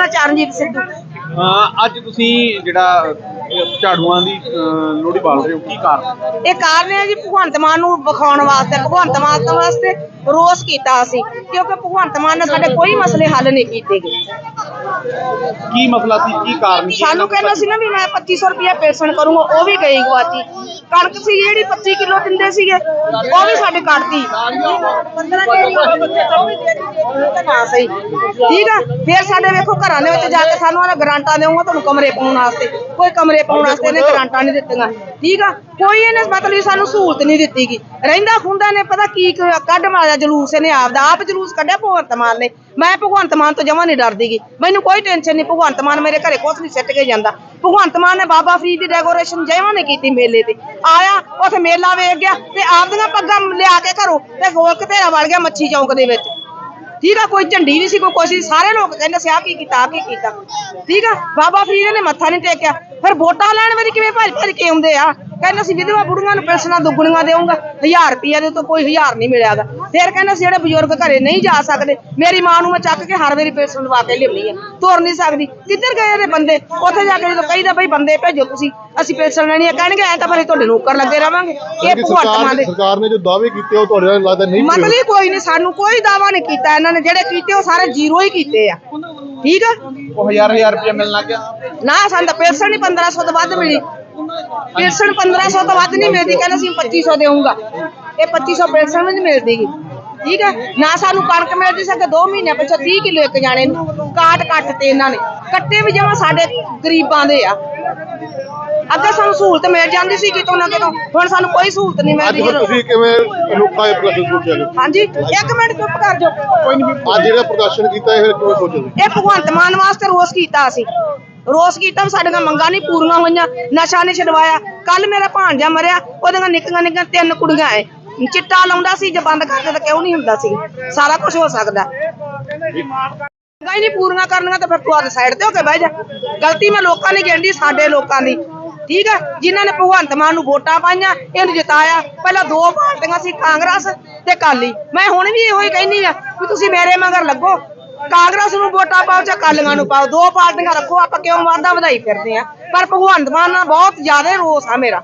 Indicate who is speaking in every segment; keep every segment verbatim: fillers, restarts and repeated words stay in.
Speaker 1: ਚਰਨਜੀਤ ਸਿੱਧੂ।
Speaker 2: ਅੱਜ ਤੁਸੀਂ ਜਿਹੜਾ ਝਾੜੂਆਂ ਦੀ ਲੋਹੜੀ ਬਾਲ ਰਹੇ ਹੋ, ਕੀ ਕਾਰਨ?
Speaker 1: ਇਹ ਕਾਰਨ ਹੈ ਜੀ ਭਗਵੰਤ ਮਾਨ ਨੂੰ ਵਿਖਾਉਣ ਵਾਸਤੇ, ਭਗਵੰਤ ਮਾਨ ਵਾਸਤੇ ਰੋਸ ਕੀਤਾ ਅਸੀਂ, ਕਿਉਂਕਿ ਭਗਵੰਤ ਮਾਨ ਨੇ ਸਾਡੇ ਕੋਈ ਮਸਲੇ ਹੱਲ ਨਹੀਂ ਕੀਤੇ ਗਏ।
Speaker 2: ਕੀ ਮਸਲਾ ਸੀ, ਕੀ ਕਾਰਨ?
Speaker 1: ਸਾਨੂੰ ਕਹਿੰਦਾ ਸੀ ਨਾ ਵੀ ਮੈਂ ਪੱਚੀ ਸੌ ਰੁਪਇਆ ਪੈਨਸ਼ਨ ਕਰੂੰਗਾ, ਉਹ ਵੀ ਗਈ ਗੁਆਚੀ। ਕਣਕ ਸੀ ਜਿਹੜੀ ਪੱਚੀ ਕਿਲੋ ਦਿੰਦੇ ਸੀਗੇ, ਉਹ ਵੀ ਸਾਡੇ ਕੱਟਤੀ। ਨਾ ਸਹੀ ਠੀਕ ਆ। ਫਿਰ ਸਾਡੇ ਵੇਖੋ ਘਰਾਂ ਦੇ ਵਿੱਚ ਜਾ ਕੇ ਸਾਨੂੰ ਉਹਨੇ ਗਰਾਂਟਾਂ ਦੇਊਗਾ ਤੁਹਾਨੂੰ ਕਮਰੇ ਪਾਉਣ ਵਾਸਤੇ, ਕੋਈ ਕਮਰੇ ਪਾਉਣ ਵਾਸਤੇ ਇਹਨੇ ਗਰਾਂਟਾਂ ਨਹੀਂ ਦਿੱਤੀਆਂ। ਠੀਕ ਆ, ਕੋਈ ਇਹਨੇ ਮਤਲਬ ਸਾਨੂੰ ਸਹੂਲਤ ਨਹੀਂ ਦਿੱਤੀ ਗੀ। ਰਹਿੰਦਾ ਖੁੰਦਾ ਨੇ ਪਤਾ ਕੀ ਕੱਢ ਮਾਰਿਆ ਜਲੂਸ, ਇਹਨੇ ਆਪਦਾ ਆਪ ਜਲੂਸ ਕੱਢਿਆ ਭਗਵੰਤ ਮਾਨ ਨੇ। ਮੈਂ ਭਗਵੰਤ ਮਾਨ ਤੋਂ ਜਮਾਂ ਨਹੀਂ ਡਰਦੀ ਗੀ, ਮੈਨੂੰ ਕੋਈ ਟੈਨਸ਼ਨ ਨਹੀਂ। ਭਗਵੰਤ ਮਾਨ ਮੇਰੇ ਘਰੇ ਕੁਛ ਨਹੀਂ ਸਿੱਟ ਕੇ ਜਾਂਦਾ। ਭਗਵੰਤ ਮਾਨ ਨੇ ਬਾਬਾ ਫਰੀਦ ਦੀ ਡੈਕੋਰੇਸ਼ਨ ਜਮਾਂ ਨਹੀਂ ਕੀਤੀ। ਮੇਲੇ ਤੇ ਆਇਆ, ਉੱਥੇ ਮੇਲਾ ਵੇਖ ਗਿਆ ਤੇ ਆਪਦੀਆਂ ਪੱਗਾਂ ਲਿਆ ਕੇ ਘਰੋਂ ਤੇ ਗੋਲ ਘਤੇਰਾ ਵੜ ਗਿਆ ਮੱਛੀ ਚੌਂਕ ਦੇ ਵਿੱਚ। ਠੀਕ ਆ, ਕੋਈ ਝੰਡੀ ਨਹੀਂ ਸੀ, ਕੋਈ ਕੁਛ। ਸਾਰੇ ਲੋਕ ਕਹਿੰਦੇ ਸੀ ਆਹ ਕੀ ਕੀਤਾ, ਆਹ ਕੀ ਕੀਤਾ। ਠੀਕ ਆ, ਬਾਬਾ ਫਰੀਦ ਨੇ ਮੱਥਾ ਨਹੀਂ ਟੇਕਿਆ। ਫਿਰ ਵੋਟਾਂ ਲੈਣ ਵਾਰੀ ਕਿਵੇਂ ਭੱਜ ਭੱਜ ਕੇ ਆਉਂਦੇ ਆ, ਕਹਿੰਦੇ ਸੀ ਵਿਧਵਾ ਬੁੜੀਆਂ ਨੂੰ ਪੈਨਸ਼ਨਾਂ ਦੁੱਗਣੀਆਂ ਦੇਊਂਗਾ, ਹਜ਼ਾਰ ਰੁਪਈਆ ਦੇ ਤੋਂ ਕੋਈ ਹਜ਼ਾਰ ਨਹੀਂ ਮਿਲਿਆਗਾ। ਫਿਰ ਕਹਿੰਦੇ ਸੀ ਜਿਹੜੇ ਬਜ਼ੁਰਗ ਘਰੇ ਨਹੀਂ ਜਾ ਸਕਦੇ, ਮੇਰੀ ਮਾਂ ਨੂੰ ਮੈਂ ਚੱਕ ਕੇ ਹਰ ਵਾਰੀ ਪੈਨਸ਼ਨ ਲਵਾ ਕੇ ਲਿਆਉਣੀ ਆ, ਤੁਰ ਨਹੀਂ ਸਕਦੀ। ਕਿੱਧਰ ਗਏ ਇਹਦੇ ਬੰਦੇ? ਉੱਥੇ ਜਾ ਕੇ ਜਦੋਂ ਕਹੀਦਾ ਬਈ ਬੰਦੇ ਭੇਜੋ ਤੁਸੀਂ, ਅਸੀਂ ਪੈਨਸ਼ਨ ਲੈਣੀ ਆ, ਕਹਿਣਗੇ ਐ ਤਾਂ ਫਿਰ ਤੁਹਾਡੇ ਨੌਕਰ ਲੱਗੇ ਰਵਾਂਗੇ। ਇਹ ਭਗਵੰਤ ਮਾਨ ਦੇ
Speaker 3: ਸਰਕਾਰ ਨੇ ਜੋ ਦਾਅਵੇ ਕੀਤੇ ਉਹ ਤੁਹਾਡੇ ਨਾਲ ਲੱਗਦਾ ਨਹੀਂ
Speaker 1: ਮਤਲਬ ਕੋਈ ਨਹੀਂ, ਸਾਨੂੰ ਕੋਈ ਦਾਅਵਾ ਨਹੀਂ ਕੀਤਾ ਇਹਨਾਂ ਨੇ। ਜਿਹੜੇ ਕੀਤੇ ਉਹ ਸਾਰੇ ਜ਼ੀਰੋ ਹੀ ਕੀਤੇ ਆ। ਠੀਕ ਆ,
Speaker 2: ਉਹ ਹਜ਼ਾਰ ਹਜ਼ਾਰ ਰੁਪਇਆ ਮਿਲਣ ਲੱਗ ਗਿਆ
Speaker 1: ਨਾ ਸਾਨੂੰ ਤਾਂ ਪੈਨਸ਼ਨ ਹੀ ਪੰਦਰਾਂ ਸੌ ਤੋਂ ਵੱਧ ਮਿਲੀ। ਪੈਨਸ਼ਨ ਪੰਦਰਾਂ ਸੌ ਤੋਂ ਵੱਧ ਨਹੀਂ ਮਿਲਦੀ, ਕਹਿੰਦਾ ਸੀ ਪੱਚੀ ਸੌ ਦੇਊਂਗਾ। ਇਹ ਪੱਚੀ ਸੌ ਪੈਨਸ਼ਨ ਵੀ ਨਹੀਂ ਮਿਲਦੀ। ਠੀਕ ਹੈ ਨਾ, ਸਾਨੂੰ ਕਣਕ ਮਿਲਦੀ ਸੀ ਦੋ ਮਹੀਨੇ ਪਿੱਛੋਂ ਤੀਹ ਕਿਲੋ ਇੱਕ ਜਾਣੇ ਨੂੰ। ਕਾਟ ਕੱਟ ਤੇ ਇਹਨਾਂ ਨੇ ਕੱਟੇ ਵੀ ਜਮਾਂ ਸਾਡੇ ਗਰੀਬਾਂ ਦੇ ਆ। ਅੱਗੇ ਸਾਨੂੰ ਸਹੂਲਤ ਮਿਲ ਜਾਂਦੀ ਸੀ ਕਿਤੋਂ ਨਾ ਕਿਤੋਂ, ਹੁਣ ਸਾਨੂੰ ਕੋਈ ਸਹੂਲਤ ਨਹੀਂ ਮਿਲਦੀ।
Speaker 3: ਤੁਸੀਂ ਕਿਵੇਂ ਅਨੋਖਾ ਇਹ ਪ੍ਰਦਰਸ਼ਨ ਸੋਚਿਆ?
Speaker 1: ਹਾਂਜੀ, ਇੱਕ ਮਿੰਟ ਚੁੱਪ ਕਰ ਜਾਓ।
Speaker 3: ਕੋਈ ਨਹੀਂ, ਅੱਜ ਜਿਹੜਾ ਪ੍ਰਦਰਸ਼ਨ ਕੀਤਾ ਇਹ ਕਿਵੇਂ ਸੋਚਿਆ?
Speaker 1: ਇਹ ਭਗਵੰਤ ਮਾਨ ਵਾਸਤੇ ਰੋਸ ਕੀਤਾ ਅਸੀਂ। ਰੋਸ ਕੀਤਾ, ਸਾਡੀਆਂ ਮੰਗਾਂ ਨਹੀਂ ਪੂਰੀਆਂ ਹੋਈਆਂ, ਨਸ਼ਾ ਨਹੀਂ ਛਡਵਾਇਆ। ਕੱਲ ਮੇਰਾ ਭਾਣਜਾ ਮਰਿਆ, ਉਹਦੀਆਂ ਨਿੱਕੀਆਂ ਨਿੱਕੀਆਂ ਤਿੰਨ ਕੁੜੀਆਂ ਐ, ਚਿੱਟਾ ਲਾਉਂਦਾ ਸੀ। ਜੇ ਬੰਦ ਕਰਦੇ ਤਾਂ ਕਿਉਂ ਨਹੀਂ ਹੁੰਦਾ ਸੀ? ਸਾਰਾ ਕੁਝ ਹੋ ਸਕਦਾ। ਮੰਗਾਂ ਹੀ ਨਹੀਂ ਪੂਰੀਆਂ ਕਰਨੀਆਂ ਤਾਂ ਫਿਰ ਤੂੰ ਆਹ ਸਾਈਡ ਤੇ ਹੋ ਕੇ ਬਹਿ ਜਾ। ਗਲਤੀ ਮੈਂ ਲੋਕਾਂ ਨੇ ਗਿਣਦੀ, ਸਾਡੇ ਲੋਕਾਂ ਦੀ। ਠੀਕ ਹੈ, ਜਿਨ੍ਹਾਂ ਨੇ ਭਗਵੰਤ ਮਾਨ ਨੂੰ ਵੋਟਾਂ ਪਾਈਆਂ, ਇਹਨੂੰ ਜਿਤਾਇਆ। ਪਹਿਲਾਂ ਦੋ ਪਾਰਟੀਆਂ ਸੀ, ਕਾਂਗਰਸ ਤੇ ਅਕਾਲੀ। ਮੈਂ ਹੁਣ ਵੀ ਇਹੋ ਹੀ ਕਹਿੰਦੀ ਆ ਵੀ ਤੁਸੀਂ ਮੇਰੇ ਮਗਰ ਲੱਗੋ, ਕਾਂਗਰਸ ਨੂੰ ਵੋਟਾਂ ਪਾਓ ਜਾਂ ਅਕਾਲੀਆਂ ਨੂੰ ਪਾਓ, ਦੋ ਪਾਰਟੀਆਂ ਰੱਖੋ। ਆਪਾਂ ਕਿਉਂ ਵਾਧਾ ਵਧਾਈ ਫਿਰਦੇ ਆ? ਪਰ ਭਗਵੰਤ ਮਾਨ ਨਾਲ ਬਹੁਤ ਜ਼ਿਆਦਾ ਰੋਸ ਆ ਮੇਰਾ।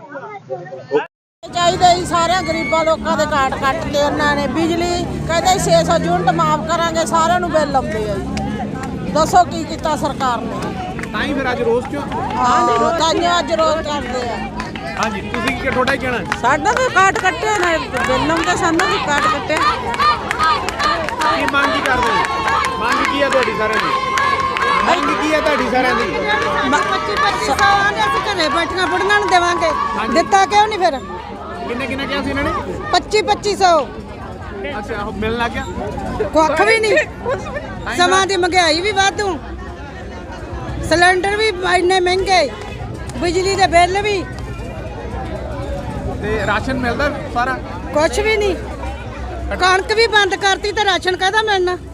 Speaker 4: ਚਾਹੀਦਾ ਹੀ ਸਾਰਿਆਂ ਗਰੀਬਾਂ ਲੋਕਾਂ ਦੇ ਕਾਟ ਕੱਟ ਤੇ ਉਹਨਾਂ ਨੇ। ਬਿਜਲੀ ਕਹਿੰਦੇ ਛੇ ਸੌ ਯੂਨਿਟ ਮਾਫ ਕਰਾਂਗੇ, ਸਾਰਿਆਂ ਨੂੰ ਬਿੱਲ ਆਉਂਦੇ ਆ ਜੀ। ਦੱਸੋ ਕੀ ਕੀਤਾ ਸਰਕਾਰ ਨੇ?
Speaker 2: ਤਾਂ ਹੀ ਫਿਰ ਅੱਜ ਰੋਸ ਕਿਉਂ?
Speaker 4: ਹਾਂ, ਤਾਂ ਅੱਜ ਰੋਸ ਕਰਦੇ ਆ।
Speaker 2: ਹਾਂਜੀ, ਤੁਸੀਂ ਕੀ ਤੁਹਾਡਾ ਹੀ ਕਹਿਣਾ?
Speaker 4: ਸਾਡਾ ਵੀ ਕਾਟ ਕੱਟਿਆ ਨੇ, ਬਿੱਲ ਆਉਂਦੇ, ਸਾਨੂੰ ਵੀ ਕਾਟ ਕੱਟਿਆ।
Speaker 2: ਕੀ ਮੰਗ ਕੀ ਕਰਦੇ ਹੋ? ਮੰਗ ਕੀ ਹੈ ਤੁਹਾਡੀ ਸਾਰਿਆਂ ਦੀ? ਮੰਗ ਕੀ ਹੈ ਤੁਹਾਡੀ ਸਾਰਿਆਂ ਦੀ?
Speaker 4: ਪੱਚੀ ਪੱਚੀ ਸੌ ਆਂਦੇ ਅਸੀਂ ਘਰੇ ਬੈਠੀਆਂ ਬੁੜੀਆਂ ਨੂੰ ਦੇਵਾਂਗੇ, ਦਿੱਤਾ ਕਿਉਂ ਨਹੀਂ ਫਿਰ?
Speaker 2: ਕਿੰਨੇ ਕਿੰਨੇ ਕਿਹਾ ਸੀ ਇਹਨਾਂ ਨੇ?
Speaker 4: ਪੱਚੀ ਪੱਚੀ ਸੌ।
Speaker 2: ਅੱਛਾ, ਉਹ ਮਿਲਣ ਲੱਗ ਗਿਆ?
Speaker 4: ਕੁੱਖ ਵੀ ਨਹੀਂ। ਸਮਾਂ ਦੀ ਮਹਿੰਗਾਈ ਵੀ ਵਾਧੂ, ਸਿਲੰਡਰ ਵੀ ਇੰਨੇ ਮਹਿੰਗੇ, ਬਿਜਲੀ ਦੇ ਬਿੱਲ ਵੀ,
Speaker 2: ਤੇ ਰਾਸ਼ਨ ਮਿਲਦਾ ਸਾਰਾ?
Speaker 4: ਕੁਛ ਵੀ ਨਹੀਂ। ਕਣਕ ਵੀ ਬੰਦ ਕਰਤੀ ਤੇ ਰਾਸ਼ਨ ਕਾਹਦਾ ਮਿਲਣਾ?